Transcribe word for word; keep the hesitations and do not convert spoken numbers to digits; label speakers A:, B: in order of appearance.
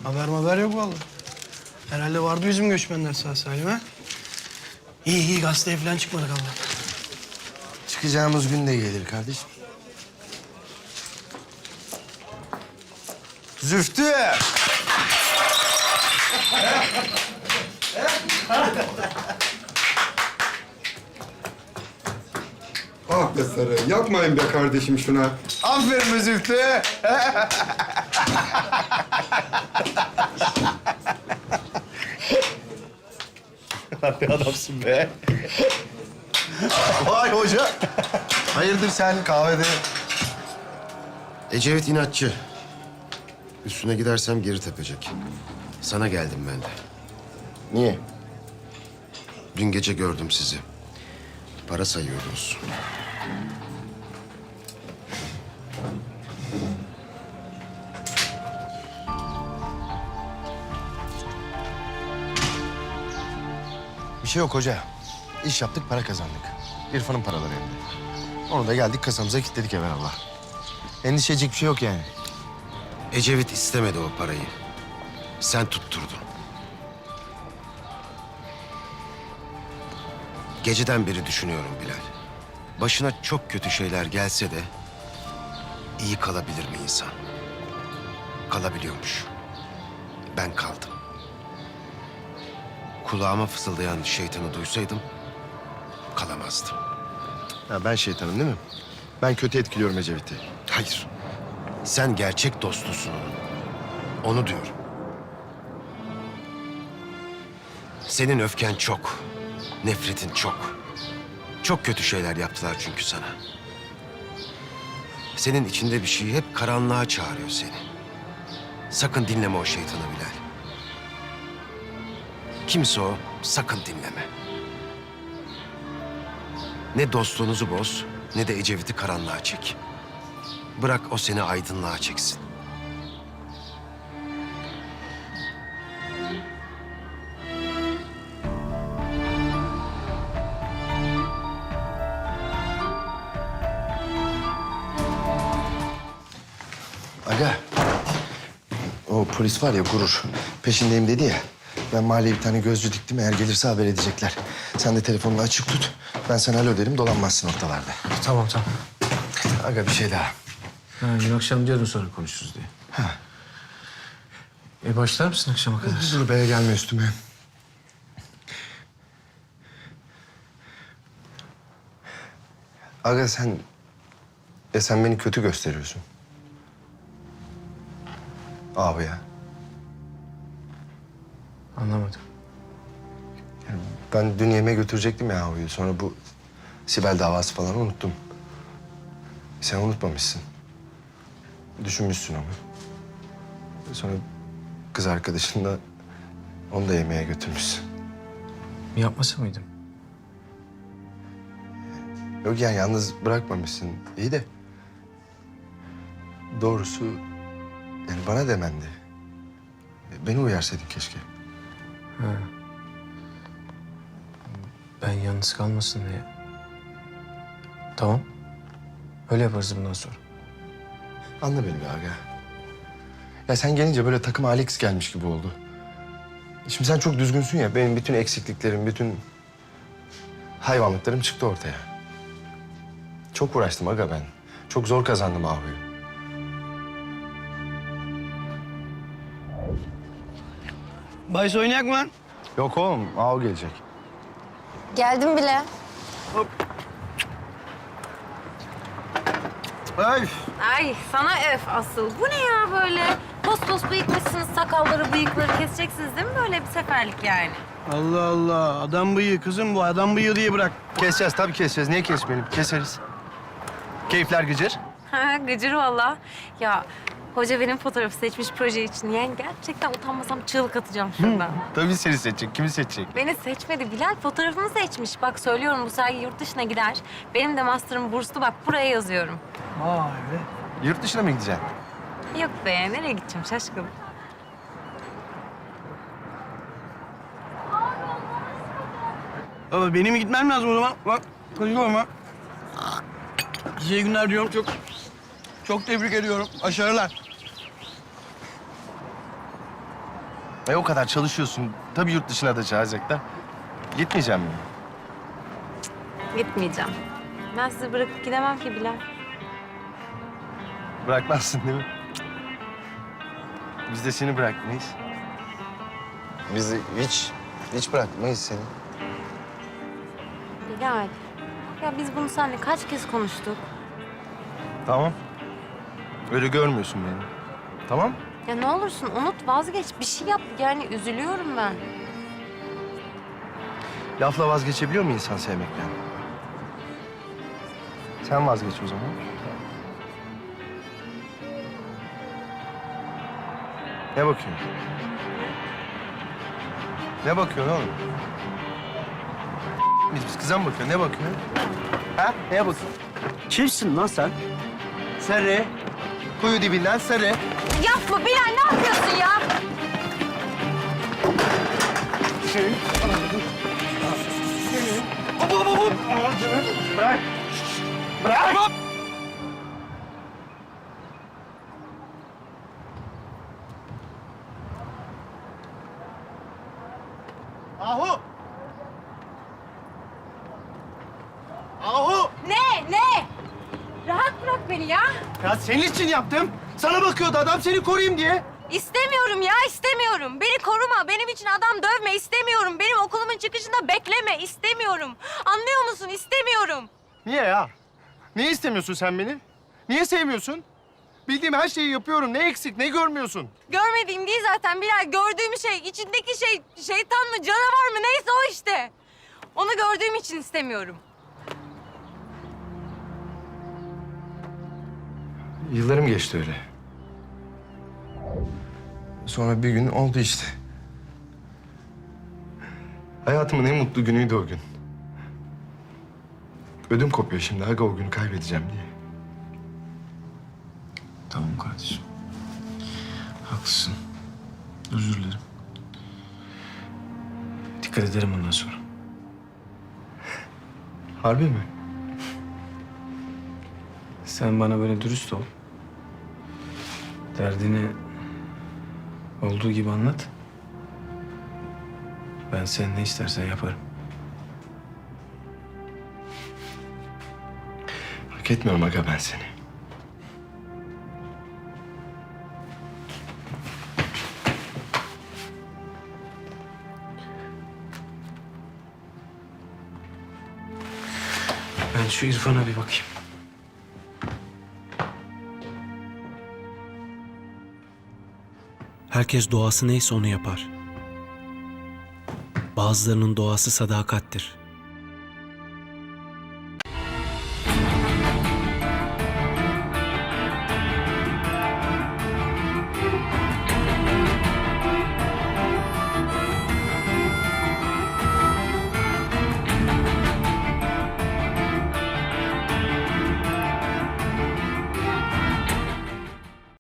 A: Haber haber yok vallahi. Herhalde vardı bizim göçmenler sağ salim ha. İyi iyi gazeteye falan çıkmadık Allah.
B: Çıkacağımız gün de gelir kardeşim. Züftü!
C: Ah be Sarı, yapmayın be kardeşim şuna.
B: Aferin be Züftü!
D: Ne adamsın be.
B: Vay hoca! Hayırdır sen kahvede?
E: Ecevit inatçı. Üstüne gidersem geri tepecek. Sana geldim ben de.
B: Niye?
E: Dün gece gördüm sizi. Para sayıyordunuz.
B: Bir şey yok hoca. İş yaptık, para kazandık. İrfan'ın paraları elinde. Onu da geldik kasamıza kilitledik evvelallah. Endişe edecek bir şey yok yani.
E: Ecevit istemedi o parayı. Sen tutturdun. Geceden beri düşünüyorum Bilal. Başına çok kötü şeyler gelse de iyi kalabilir mi insan? Kalabiliyormuş. Ben kaldım. Kulağıma fısıldayan şeytanı duysaydım kalamazdım.
B: Ya ben şeytanım değil mi? Ben kötü etkiliyorum Ecevit'i.
E: Hayır. Sen gerçek dostusun onun. Onu diyorum. Senin öfken çok. Nefretin çok. Çok kötü şeyler yaptılar çünkü sana. Senin içinde bir şey hep karanlığa çağırıyor seni. Sakın dinleme o şeytanı Bilal. Kimse o, sakın dinleme. Ne dostluğunuzu boz, ne de Ecevit'i karanlığa çek. Bırak o seni aydınlığa çeksin.
B: Aga, o polis var ya Gurur, peşindeyim dedi ya. Ben mahalleye bir tane gözcü diktim, eğer gelirse haber edecekler. Sen de telefonunu açık tut, ben sana alo derim, dolanmazsın ortalarda.
F: Tamam tamam.
B: Aga bir şey daha.
F: Ha, dün akşam diyordun sonra konuşuruz diye.
B: Ha.
F: E başlar mısın akşama kadar?
B: Dur be, gelme üstüme. Aga sen... Ya sen beni kötü gösteriyorsun. Abi ya.
F: Anlamadım.
B: Yani ben dün yemeğe götürecektim ya abiyi. Sonra bu Sibel davası falan unuttum. Sen unutmamışsın. Düşünmüşsün ama. Sonra kız arkadaşın da onu da yemeğe götürmüşsün.
F: Yapmasa mıydım?
B: Yok yani yalnız bırakmamışsın. İyi de doğrusu yani bana demendi. Beni uyarsaydın keşke.
F: Ha. Ben yalnız kalmasın diye. Tamam. Öyle yaparız bundan sonra.
B: Anla beni be aga. Ya sen gelince böyle takım Alex gelmiş gibi oldu. Şimdi sen çok düzgünsün ya. Benim bütün eksikliklerim, bütün hayvanlıklarım çıktı ortaya. Çok uğraştım aga ben. Çok zor kazandım Ahu'yu.
A: Bahis oynayak mı lan?
B: Yok oğlum, Ahu gelecek.
G: Geldim bile.
B: Ay.
G: Ay sana öf asıl. Bu ne ya böyle? Pos pos bıyıkmışsınız, sakalları, bıyıkları keseceksiniz değil mi böyle bir seferlik yani?
A: Allah Allah. Adam bıyığı kızım bu. Adam bıyığı diye bırak.
B: Keseceğiz tabii keseceğiz. Niye kesmeyelim? Keseriz. Keyifler gıcır.
G: Ha, gıcır valla. Ya hoca benim fotoğrafı seçmiş proje için. Yani gerçekten utanmasam çığlık atacağım şuradan.
B: Tabii seni seçecek. Kimi seçecek?
G: Beni seçmedi. Bilal fotoğrafımı seçmiş. Bak söylüyorum bu sergi yurt dışına gider. Benim de master'ım burslu. Bak buraya yazıyorum.
A: Vay be.
B: Yurt dışına mı gideceksin?
G: Yok be nereye gideceğim şaşkın.
A: Baba benim gitmem lazım o zaman. Bak kaçıyorum ha. Size iyi günler diyorum. Çok çok tebrik ediyorum. Başarılar.
B: E o kadar çalışıyorsun. Tabii yurt dışına da çağıracaklar. Gitmeyeceğim mi?
G: Gitmeyeceğim. Ben sizi bırakıp gidemem ki Bilal.
B: Bırakmazsın değil mi? Biz de seni bırakmayız. Biz de hiç, hiç bırakmayız seni.
G: Bilal. Ya biz bunu seninle kaç kez konuştuk?
B: Tamam. Öyle görmüyorsun beni. Tamam.
G: Ya ne olursun unut, vazgeç. Bir şey yap. Yani üzülüyorum ben.
B: Lafla vazgeçebiliyor mu insan sevmekten? Sen vazgeç o zaman. Ne bakıyorsun? Ne bakıyorsun oğlum? Biz, biz kıza mı bakıyorsun? Ne bakıyorsun? Ha? Neye bakıyorsun?
D: Kimsin lan sen?
B: Sarı. Kuyu dibinden sarı.
G: Yapma Bilal, ne yapıyorsun ya?
B: Ahu! Ahu!
G: Ne? Ne? Rahat bırak beni ya.
B: Ya senin için yaptım. Sana bakıyordu adam, seni koruyayım diye.
G: İstemiyorum ya, istemiyorum. Beni koruma, benim için adam dövme, istemiyorum. Benim okulumun çıkışında bekleme, istemiyorum. Anlıyor musun? İstemiyorum.
B: Niye ya? Niye istemiyorsun sen beni? Niye sevmiyorsun? Bildiğim her şeyi yapıyorum. Ne eksik, ne görmüyorsun?
G: Görmediğim değil zaten Bilal. Gördüğüm şey, içindeki şey şeytan mı, canavar mı neyse o işte. Onu gördüğüm için istemiyorum.
B: Yıllarım geçti öyle. Sonra bir gün oldu işte. Hayatımın en mutlu günüydü o gün. Ödüm kopuyor şimdi aga o günü kaybedeceğim diye.
F: Tamam kardeşim. Haklısın. Özür dilerim. Dikkat ederim bundan sonra.
B: Harbi mi?
F: Sen bana böyle dürüst ol. Derdini olduğu gibi anlat. Ben sen ne istersen yaparım.
B: Hak etmiyorum aga ben seni.
F: Ben şu İrfan'a bir bakayım.
H: Herkes doğası neyse onu yapar. Bazılarının doğası sadakattir.